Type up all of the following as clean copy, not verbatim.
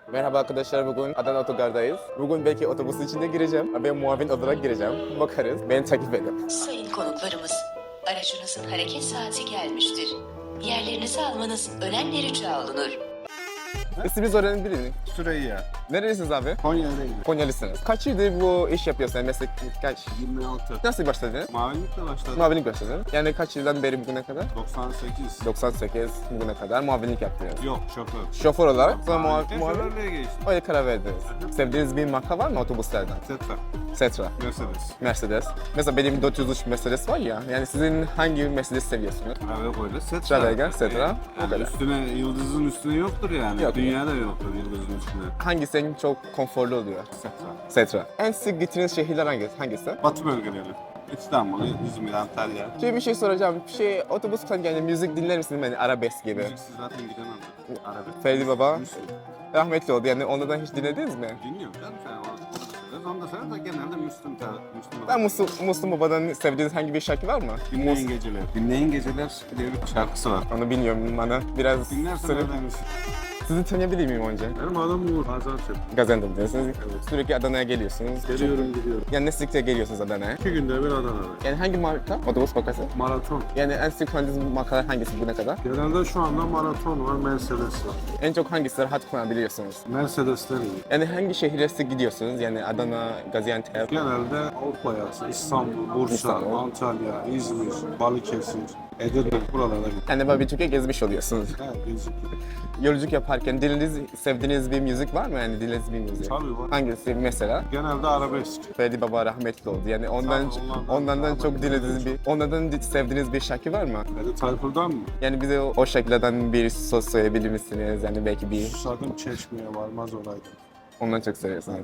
Merhaba arkadaşlar, bugün Adana Otogar'dayız. Bugün belki otobüsün içinde gireceğim. Ben muavin olarak gireceğim. Bakarız, beni takip edin. Sayın konuklarımız, aracınızın hareket saati gelmiştir. Yerlerinizi almanız önemli rica olunur. İsminizi öğrenebilir miyim? Süreyya. Nerelisiniz abi? Konya'dayım. Konyalısınız. Kaç yıldır bu iş yapıyorsun? Meslek kaç? 26. Nasıl başladın? Mavilikle başladım. Muavinlik başladın. Yani kaç yıldan beri bugüne kadar? 98. 98 bugüne kadar muavinlik yaptınız. Yok şoför. Şoför olarak sonra Mavilikten muavin şoförlüğe geçtim. öyle karar verdiniz. Sevdiğiniz bir marka var mı otobüslerden? Tetra. Setra, Mercedes. Mercedes. Mesela benim 403 Mercedes var ya. Yani sizin hangi Mercedes seviyorsunuz? Trave koydu. Setra. Stradega, Setra. O Yani kadar. üstüne, yıldızın üstüne yoktur yani. Yok. Dünyada yoktur yıldızın üstüne. Hangisi en çok konforlu oluyor? Setra. Setra. En sık gittiğiniz şehirler hangisi? Batı bölgeleri. İstanbul, İzmir, Antalya. Şimdi bir şey soracağım. Otobüs kullanırken yani müzik dinler misiniz? Yani arabesk gibi. Müziksiz zaten gidemem. Arabesk. Ferdi Baba Müslüm. rahmetli oldu. Yani onlardan hiç dinlediniz mi? Dinliyorum canım sen onu. Onu da sever de genelde Müslüm. Ben Müslüm Baba'dan sevdiğiniz hangi bir şarkı var mı? Dinleyin Geceler. Dinleyin Geceler diye bir şarkısı var. Onu bilmiyorum, bana biraz Dinlersen söyle. öğrenirsin. Sizi tanıyabilir miyim önce? Benim adım Uğur. Gaziantep. Gaziantep diyorsunuz. Sürekli Adana'ya geliyorsunuz. Geliyorum gidiyorum. Yani ne sıkça geliyorsunuz Adana'ya? 2 günde bir Adana'da. Yani hangi marka? Otobüs markası? Maraton. Yani en sık kullandığınız markalar hangisi bugüne kadar? Genelde şu anda maraton var, Mercedes var. En çok hangisi rahat kullanabiliyorsunuz? Mercedes'ten iyi. Yani hangi şehire sık gidiyorsunuz? Yani Adana, Gaziantep. Genelde Avrupa yakası, İstanbul, Bursa, İstanbul. Antalya, İzmir, Balıkesir, Edirne buralarda gidiyor. Yani böyle bir Türkiye gezmiş oluyorsunuz. Evet, gezip Yolculuk yaparken sevdiğiniz bir müzik var mı? Yani dinlediğiniz bir müzik? Tabii var. Hangisi mesela? Genelde arabesk. Ferdi Baba rahmetli oldu. Yani ondan daha çok dinlediğiniz onlardan sevdiğiniz bir şarkı var mı? Beni Tayfur'dan mı? Yani bize o şarkılardan bir söz söyleyebilir misiniz? Yani belki bir Susadım çeşmeye varmaz olaydım. ondan çok seviyorsunuz.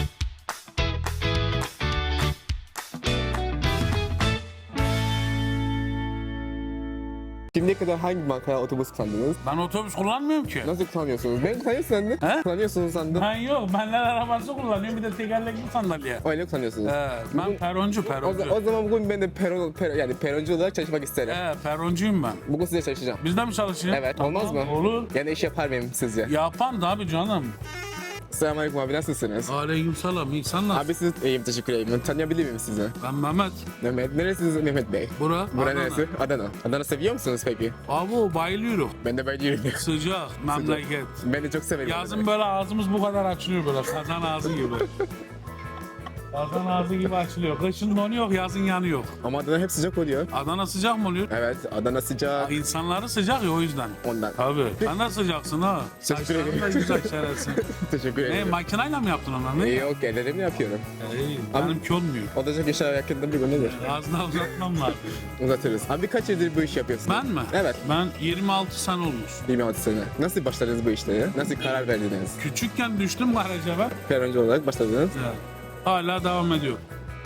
Şimdiye kadar hangi markaya otobüs kullandınız? Ben otobüs kullanmıyorum ki. Nasıl kullanıyorsunuz? Ben kullanıyorum sandım. He? Kullanıyorsunuz sandım. Ben yok. Benler arabası kullanıyorum. Bir de tekerlekli sandalye. Öyle kullanıyorsunuz. Ben peroncu. O zaman bugün ben de yani peroncu olarak çalışmak isterim. Peroncuyum ben. Bugün size çalışacağım. Bizde mi çalışıyorsun? Evet, olmaz mı? Olur. Yani iş yapar mıyım sizce? Yapan da abi canım. Selamünaleyküm abi, nasılsınız? Aleykümselam. İyi sen nasılsın? Abi siz iyiyim, teşekkür ederim. Tanıyabilir miyim sizi? Ben Mehmet. Mehmet, neresiniz Mehmet Bey? Bura. Bura Adana. neresi? Adana. Adana seviyor musunuz peki? Abi bayılıyorum. Ben de bayılıyorum. Sıcak. Memleket. Ben de çok severim. Yazın böyle ağzımız bu kadar açılıyor böyle. Kazan ağzı gibi. Kazan ağzı gibi açılıyor. Kışın donuyor, yazın yanıyor. Ama Adana hep sıcak oluyor. Adana sıcak mı oluyor? Evet, Adana sıcak. İnsanları sıcak ya o yüzden. Ondan. Tabii. Sen de sıcaksın ha. Teşekkür ederim. Saçların da güzel şerefsin. Teşekkür Ne ederim. makinayla mı yaptın onları? Ne? Yok, ellerimle yapıyorum. İyi. Benimki olmuyor. Olacak işler yakında bir gün nedir? Ağzına uzatmam lazım. Uzatırız. Abi kaç yıldır bu işi yapıyorsun? Ben mi? Evet. Ben 26 sene olmuş. 26 sene. Nasıl başladınız bu işlere? Nasıl karar verdiniz? Küçükken düştüm garaja ben. Peroncu olarak başladınız. Evet. Hala devam ediyor.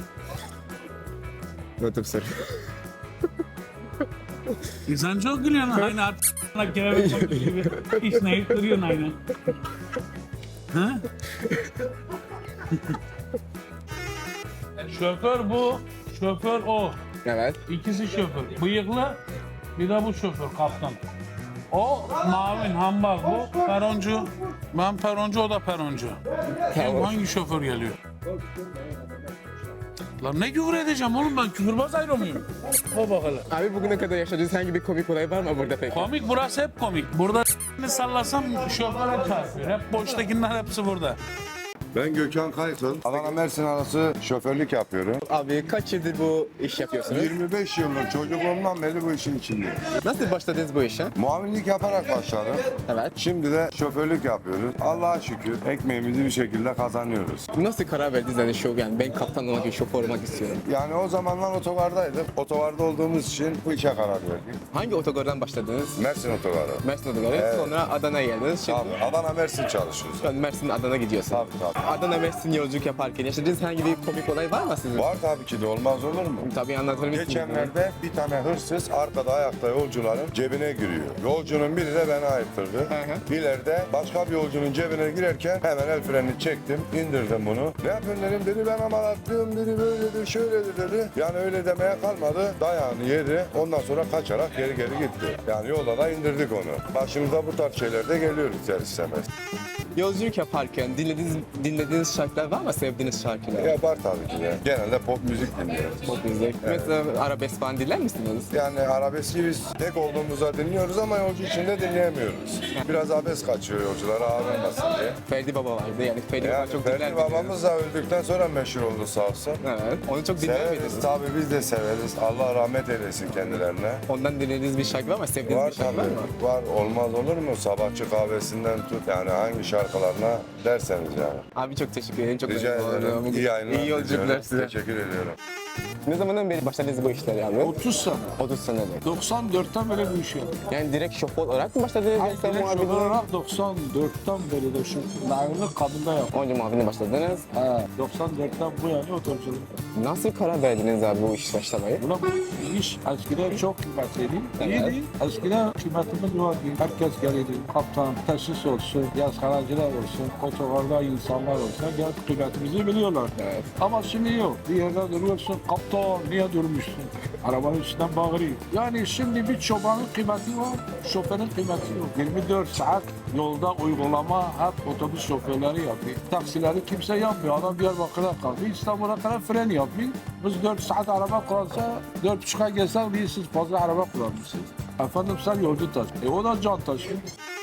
Notum soru. İnsan çok gülüyorsun. Aynı artık kelebek olmuş gibi. İşneyip duruyorsun aynı. Ha? Şoför bu. Şoför o. Evet. İkisi şoför. Bıyıklı bir de bu şoför kaptan. O mavin hambal bu peroncu. Ben peroncu o da peroncu. Kim Tamam. hangi şoför geliyor? Lan ne küfür edeceğim oğlum ben küfürbaz ayrı mıyım? O bakalım. Abi bugüne kadar yaşadığınız hangi bir komik olay var mı burada peki? Komik burası hep komik. Burada sallasam şoföre çarpıyor. Hep boştakiler hepsi burada. Ben Gökhan Kaykıl. Adana Mersin arası şoförlük yapıyorum. Abi kaç yıldır bu iş yapıyorsunuz? 25 yıldır çocukluğumdan beri bu işin içindeyim. Nasıl başladınız bu işe? Muavinlik yaparak başladım. Evet. Şimdi de şoförlük yapıyoruz. Allah'a şükür ekmeğimizi bir şekilde kazanıyoruz. Nasıl karar verdiniz yani ben kaptan olmak, şoför olmak istiyorum. Yani o zamanlar otogardaydık. Otogarda olduğumuz için bu işe karar verdik. Hangi otogardan başladınız? Mersin otogarı. Mersin otogarı. Evet. Sonra Adana'ya geldiniz. Şimdi Tabii. Adana Mersin çalışıyoruz. şu an Mersin Adana gidiyorsun. Tabii tabii. Adana Mersin yolculuk yaparken yaşadığınız herhangi bir komik olay var mı sizin? Var tabii ki de, olmaz olur mu? Tabii anlatır mısınız? Geçenlerde bir tane hırsız arkada ayakta yolcuların cebine giriyor. Yolcunun biri de beni ayırttırdı. hı. İleride başka bir yolcunun cebine girerken hemen el frenini çektim, indirdim bunu. Ne yapıyorsun dedim, dedi ben amalatlıyım, dedi böyledir, şöyledir dedi. Yani öyle demeye kalmadı, dayağını yedi. Ondan sonra kaçarak geri gitti. Yani yolda da indirdik onu. Başımıza bu tarz şeyler de geliyor ister istemez. Yolculuk yaparken dinlediğiniz şarkılar var mı? Sevdiğiniz şarkılar? Ya var tabii ki de. Genelde pop müzik dinliyoruz. Pop müzik. Mesela arabesk falan dinler misiniz? Yani arabeski biz tek olduğumuzda dinliyoruz ama yolcu içinde dinleyemiyoruz. Biraz abes kaçıyor yolculara ağırlanmasın diye. Ferdi Baba vardı yani Ferdi Baba Yani çok Ferdi dinler babamız da öldükten sonra meşhur oldu sağ olsun. Evet. Onu çok dinler Severiz miydiniz? tabii, biz de severiz. Allah rahmet eylesin kendilerine. Ondan dinlediğiniz bir şarkı var mı? Sevdiğiniz Var bir şarkı var mı? tabii, var. Olmaz olur mu? Sabahçı kahvesinden tut, yani hangi şarkılarına derseniz yani. Abi çok teşekkür ederim. Çok Rica memnun ederim. oldum. İyi yayınlar İyi yolculuklar diliyorum. size. Teşekkür ediyorum. Ne zamandan beri başladınız bu işlere abi? 30 sene. 30 senedir. 94'ten beri bu işi yapıyorum. Yani direkt şoför olarak mı başladınız? Hayır, Yoksa direkt şoför muhabirliğe? olarak 94'ten beri de şu naimlik kadında yapıyorum. Önce muhabirliğe başladınız. He, 94'ten bu yana otobüsçülük. Nasıl karar verdiniz abi bu iş başlamayı? Buna bu iş eskiden çok kıymetliydi. Evet. İyiydi. Eskiden kıymetimiz vardı. Herkes gelirdi. Kaptan, tesis olsun, yazıhaneciler olsun, otogarda insanlar olsun. Gel kıymetimizi biliyorlar. Evet. Ama şimdi yok. Bir yerde duruyorsun, kaptan niye durmuşsun? Arabanın üstünden bağırıyor. Yani şimdi bir çobanın kıymeti var, şoförün kıymeti yok. 24 saat yolda uygulama hep otobüs şoförleri yapıyor. Taksileri kimse yapmıyor. Adam Diyarbakır'a kalkıyor, İstanbul'a kadar fren yapıyor. Biz 4 saat araba kullansa, 4,5'a gelsek bir siz fazla araba kullanmışsınız. Efendim sen yolcu taşı. O da can taşıyor.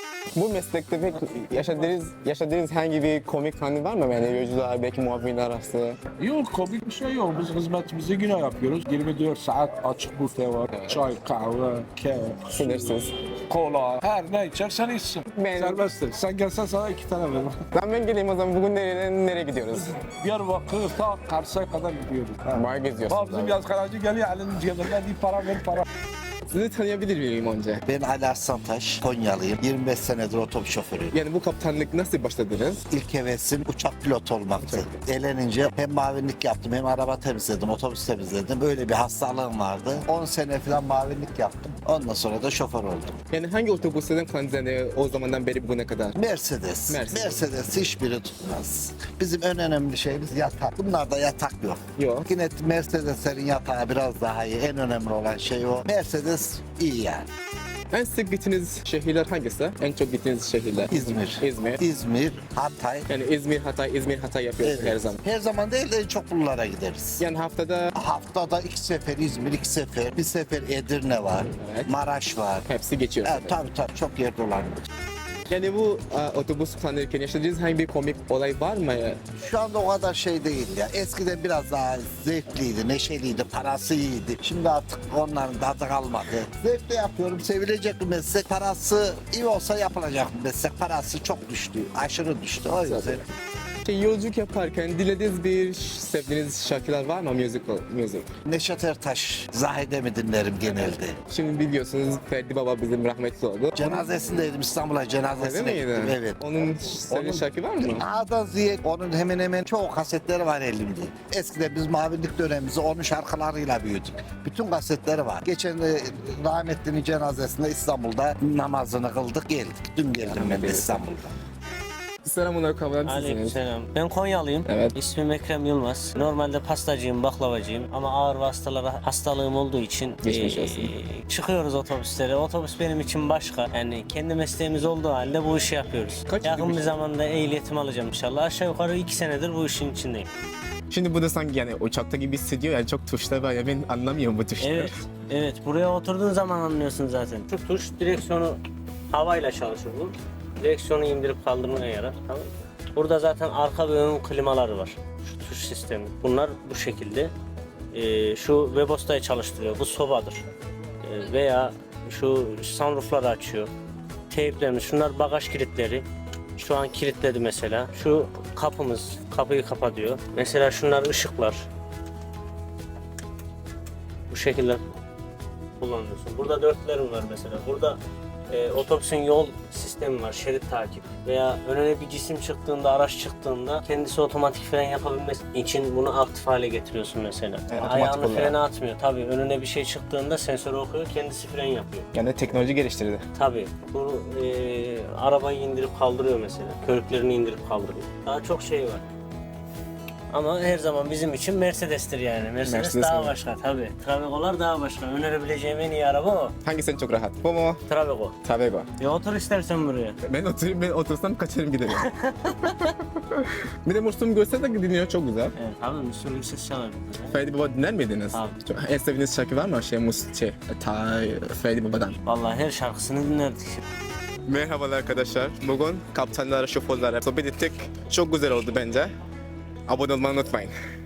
Bu meslekte pek yaşadığınız herhangi bir komik anı var mı? Yani yolcular, belki muhabirler arası. Yok, komik bir şey yok. Biz hizmetimizi yine yapıyoruz. 24 saat açık büfe var. Çay, kahve, kek, Sınırsız. kola, her ne içersen içsin. Ben- Serbesttir. Sen gelsen sana 2 tane veririm. Ben geleyim o zaman. Bugün nereye gidiyoruz? Diyarbakır ta Kars'a kadar gidiyoruz. Bayağı geziyorsunuz. Bizim abi. yazgaracı geliyor elinin cebinden bir para ver para. Sizi tanıyabilir miyim önce? Ben Ali Arslantaş, Konyalıyım. 25 senedir otobüs şoförüyüm. Yani bu kaptanlık nasıl başladınız? İlk hevesim uçak pilotu olmaktı. Elenince hem mavinlik yaptım hem araba temizledim, otobüs temizledim. Böyle bir hastalığım vardı. 10 sene falan mavinlik yaptım. Ondan sonra da şoför oldum. Yani hangi otobüslerden kullandınız yani o zamandan beri bugüne kadar? Mercedes. Mercedes. Mercedes hiçbiri tutmaz. Bizim en önemli şeyimiz yatak. Bunlarda yatak yok. Yok. Yine Mercedeslerin yatağı biraz daha iyi. En önemli olan şey o. Mercedes iyi yani. En sık gittiğiniz şehirler hangisi? En çok gittiğiniz şehirler? İzmir. İzmir. İzmir, Hatay. Yani İzmir, Hatay yapıyorsunuz her zaman. Her zaman değil de en çok buralara gideriz. Yani haftada Haftada 2 sefer İzmir, 2 sefer. Bir sefer Edirne var, Evet. Maraş var. hepsi geçiyor. Evet, tabii çok yer dolanıyor. Yani bu otobüs kullanırken yaşadığınız herhangi bir komik olay var mı? Şu anda o kadar şey değil ya. Eskiden biraz daha zevkliydi, neşeliydi, parası iyiydi. Şimdi artık onların tadı kalmadı. Zevkle yapıyorum, sevilecek bir meslek. Parası iyi olsa yapılacak bir meslek. Parası çok düştü, aşırı düştü. O yüzden Yolculuk yaparken dinlediğiniz sevdiğiniz şarkılar var mı? Music. Neşet Ertaş, Zahide mi dinlerim genelde. Şimdi biliyorsunuz Ferdi Baba bizim rahmetli oldu. Cenazesindeydim, İstanbul'a Öyle cenazesine miydi? gittim. Evet. Onun sevdiğiniz şarkı var mı? A'dan Z'ye onun hemen hemen çoğu kasetleri var elimde. Eskiden biz mavinlik dönemimizi onun şarkılarıyla büyüdük. Bütün kasetleri var. Geçen rahmetlinin cenazesinde İstanbul'da namazını kıldık geldik. Dün geldim ben de İstanbul'da. Selamünaleyküm. Sizsiniz. Aleykümselam. Ben Konyalıyım. Evet. İsmim Ekrem Yılmaz. Normalde pastacıyım, baklavacıyım ama ağır vasıtalara hastalığım olduğu için Geçmiş olsun. çıkıyoruz otobüslere. Otobüs benim için başka. Yani kendi mesleğimiz olduğu halde bu işi yapıyoruz. Kaç Yakın yıldır- bir zamanda ehliyetimi alacağım inşallah. Aşağı yukarı 2 senedir bu işin içindeyim. Şimdi bu da sanki yani uçakta gibi hissediyor yani çok tuşlar var ya ben anlamıyorum bu tuşları. Evet, evet. Buraya oturduğun zaman anlıyorsun zaten. Şu tuş direksiyonu havayla çalışır bu. Direksiyonu indirip kaldırmaya yarar. Tamam mı? Burada zaten arka ve ön klimaları var. Şu tuş sistemi. Bunlar bu şekilde. Şu Webosta'yı çalıştırıyor. Bu sobadır. Veya şu sunroofları açıyor. Teyplerimiz. Şunlar bagaj kilitleri. Şu an kilitledi mesela. Şu kapımız. Kapıyı kapatıyor. Mesela şunlar ışıklar. Bu şekilde kullanıyorsun. Burada dörtlerim var mesela. Burada otobüsün yol sistemi sistemi var, şerit takip veya önüne bir cisim çıktığında, araç çıktığında kendisi otomatik fren yapabilmesi için bunu aktif hale getiriyorsun mesela. otomatik Ayağını olarak. frene atmıyor. Tabii önüne bir şey çıktığında sensörü okuyor, kendisi fren yapıyor. Yani teknoloji geliştirdi. Tabii bu arabayı indirip kaldırıyor mesela. Körüklerini indirip kaldırıyor. Daha çok şey var. Ama her zaman bizim için Mercedes'tir yani. Mercedes daha mi? başka tabii. Travego'lar daha başka. Önerebileceğim en iyi araba o. Hangisi çok rahat? Bu mu? Travego. Travego. Otur istersen buraya. Ben otursam kaçarım giderim. Bir de Müslüm Gürses de dinliyor, çok güzel. Evet abi Müslüm ses çalar. Ferdi Baba dinler miydiniz? Abi. En sevdiğiniz şarkı var mı? Ferdi Baba'dan. Vallahi her şarkısını dinlerdik. Merhabalar arkadaşlar. Bugün kaptanlara, şoförlere sohbet ettik. Çok güzel oldu bence. Abone olmayı unutmayın.